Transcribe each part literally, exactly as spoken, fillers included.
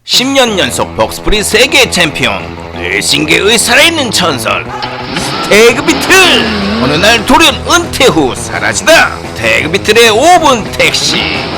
십 년 연속 복스프리 세계 챔피언, 레이싱계의 살아있는 전설 스태그비틀. 어느 날 돌연 은퇴 후 사라지다. 스태그비틀의 오 분 택시.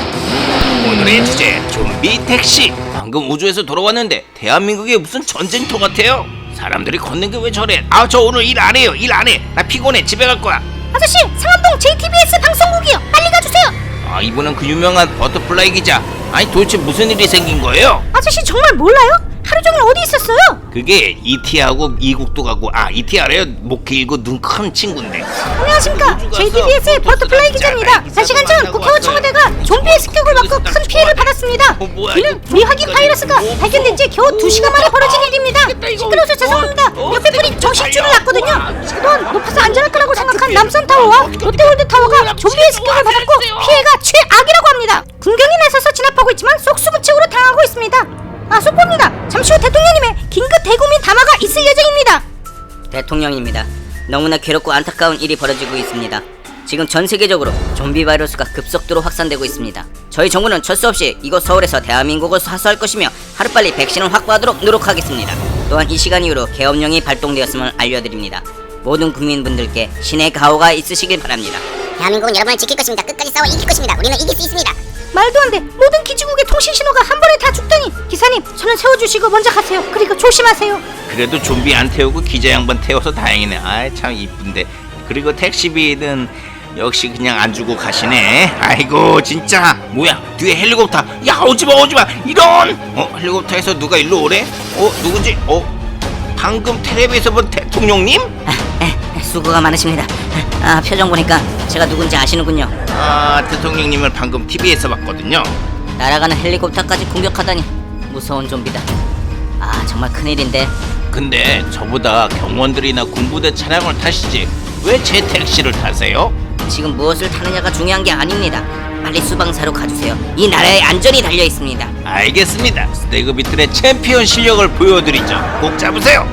오늘의 주제 좀비 택시. 방금 우주에서 돌아왔는데 대한민국에 무슨 전쟁터 같아요. 사람들이 걷는 게 왜 저래? 아, 저 오늘 일 안 해요. 일 안 해. 나 피곤해. 집에 갈 거야. 아저씨, 상암동 제이티비에스 방송국이요. 빨리 가주세요. 아, 이분은 그 유명한 버터플라이 기자. 아니, 도대체 무슨 일이 생긴 거예요? 아저씨 정말 몰라요? 하루 종일 어디 있었어요? 그게 이티하고 이국도 가고, 아, 이티 알아요? 목 길고 눈 큰 친구인데. 안녕하십니까, 제이티비에스의 버터플라이 기자입니다. 사 시간 전 국회와 청와대가 좀비의 습격을 받고 큰 피해를 받았습니다. 이는 미확인 바이러스가 발견된 지 겨우 두 시간 만에 벌어진 일입니다. 시끄러워서 죄송합니다. 옆에 분이 정신줄을 놨거든요. 그동안 높아서 안전할 거라고 생각한 남산타워와 롯데월드타워가 좀비의 습격을 받았고 피해가 최악이라고 합니다. 군경이 나서서 진압하고 있지만 속수무책으로 당하고 있습니다. 아, 속보입니다. 잠시 후 대통령님의 긴급 대국민 담화가 있을 예정입니다. 대통령입니다. 너무나 괴롭고 안타까운 일이 벌어지고 있습니다. 지금 전 세계적으로 좀비 바이러스가 급속도로 확산되고 있습니다. 저희 정부는 철수 없이 이곳 서울에서 대한민국을 사수할 것이며 하루빨리 백신을 확보하도록 노력하겠습니다. 또한 이 시간 이후로 계엄령이 발동되었음을 알려드립니다. 모든 국민분들께 신의 가호가 있으시길 바랍니다. 대한민국은 여러분을 지킬 것입니다. 끝까지 싸워 이길 것입니다. 우리는 이길 수 있습니다. 말도 안 돼. 모든 기지국의 통신 신호가 한 번에 다 죽다니. 기사님, 저는 세워주시고 먼저 가세요. 그리고 조심하세요. 그래도 좀비 안 태우고 기자 양반 태워서 다행이네. 아이, 참 이쁜데. 그리고 택시비는 역시 그냥 안 주고 가시네. 아이고, 진짜. 뭐야, 뒤에 헬리콥터. 야, 오지마 오지마. 이런. 어, 헬리콥터에서 누가 일로 오래? 어, 누군지? 어, 방금 텔레비에서 본 대통령님? 아, 에, 수고가 많으십니다. 아, 표정 보니까 제가 누군지 아시는군요. 아, 대통령님을 방금 티비에서 봤거든요. 날아가는 헬리콥터까지 공격하다니 무서운 좀비다. 아, 정말 큰일인데. 근데 저보다 경원들이나 군부대 차량을 타시지 왜 제 택시를 타세요? 지금 무엇을 타느냐가 중요한 게 아닙니다. 빨리 수방사로 가주세요. 이 나라의 안전이 달려 있습니다. 알겠습니다. 스태그비틀의 챔피언 실력을 보여드리죠. 꼭 잡으세요.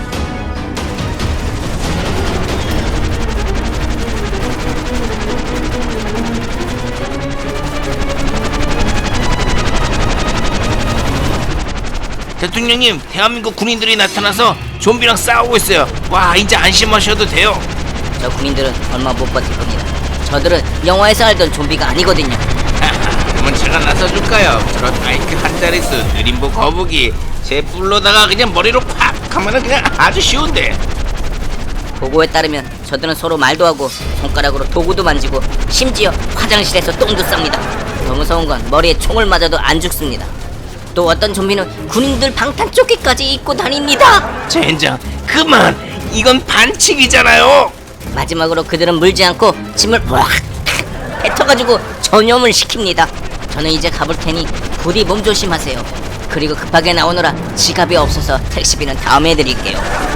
대통령님, 대한민국 군인들이 나타나서 좀비랑 싸우고 있어요. 와, 이제 안심하셔도 돼요. 저 군인들은 얼마 못 버틸 겁니다. 저들은 영화에서 알던 좀비가 아니거든요. 하하, 그러면 제가 나서줄까요? 저런 아이크 한 자릿수 느림보 거북이 제 뿔로다가 그냥 머리로 팍 하면은 그냥 아주 쉬운데. 보고에 따르면 저들은 서로 말도 하고 손가락으로 도구도 만지고 심지어 화장실에서 똥도 쌉니다. 더 무서운 건 머리에 총을 맞아도 안 죽습니다. 또 어떤 좀비는 군인들 방탄조끼까지 입고 다닙니다. 젠장, 그만. 이건 반칙이잖아요. 마지막으로 그들은 물지 않고 침을 확 뱉어가지고 전염을 시킵니다. 저는 이제 가볼 테니 부디 몸 조심하세요. 그리고 급하게 나오느라 지갑이 없어서 택시비는 다음에 드릴게요.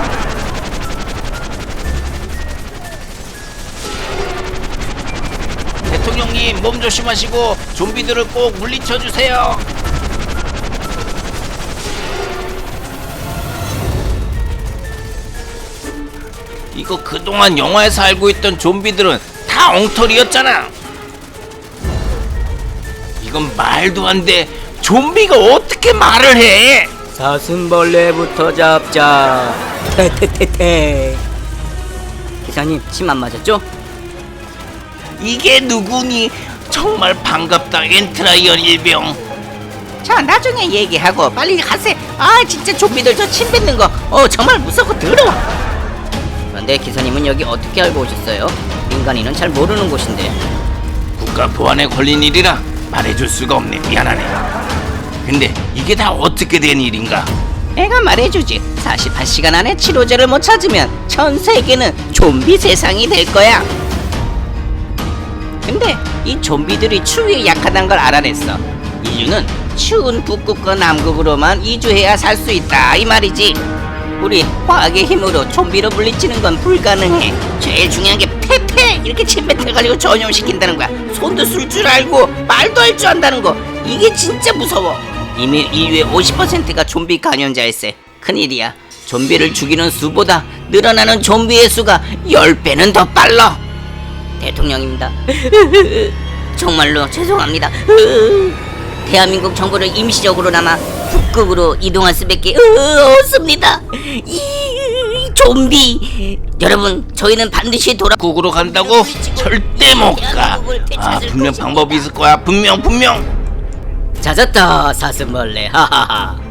대통령님, 몸 조심하시고 좀비들을 꼭 물리쳐 주세요. 이거 그동안 영화에서 알고 있던 좀비들은 다 엉터리였잖아. 이건 말도 안 돼. 좀비가 어떻게 말을 해? 사슴벌레부터 잡자. 테테테테. 기사님, 침 안 맞았죠? 이게 누구니? 정말 반갑다, 엔트라이언 일병. 자, 나중에 얘기하고 빨리 가세요. 아, 진짜 좀비들 저 침 뱉는 거 어 정말 무섭고 더러워. 그런데 기사님은 여기 어떻게 알고 오셨어요? 민간인은 잘 모르는 곳인데. 국가 보안에 걸린 일이라 말해줄 수가 없네. 미안하네. 근데 이게 다 어떻게 된 일인가? 내가 말해주지. 사십팔 시간 안에 치료제를 못 찾으면 전 세계는 좀비 세상이 될 거야. 근데 이 좀비들이 추위에 약하다는 걸 알아냈어. 인류는 추운 북극과 남극으로만 이주해야 살 수 있다 이 말이지. 우리 화학의 힘으로 좀비로 물리치는 건 불가능해. 제일 중요한 게 페페 이렇게 침 뱉어가지고 전염시킨다는 거야. 손도 쓸 줄 알고 말도 할 줄 안다는 거. 이게 진짜 무서워. 이미 인류의 오십 퍼센트가 좀비 감염자일세. 큰일이야. 좀비를 죽이는 수보다 늘어나는 좀비의 수가 십 배는 더 빨라. 대통령입니다. 정말로 죄송합니다. 대한민국 정부를 임시적으로나마 북극으로 이동할 수밖에 어, 없습니다. 이 좀비 여러분, 저희는 반드시 돌아 북으로 간다고? 절대 못가. 아, 분명 방법이 있을 거야. 분명 분명. 찾았다 사슴벌레. 하하하.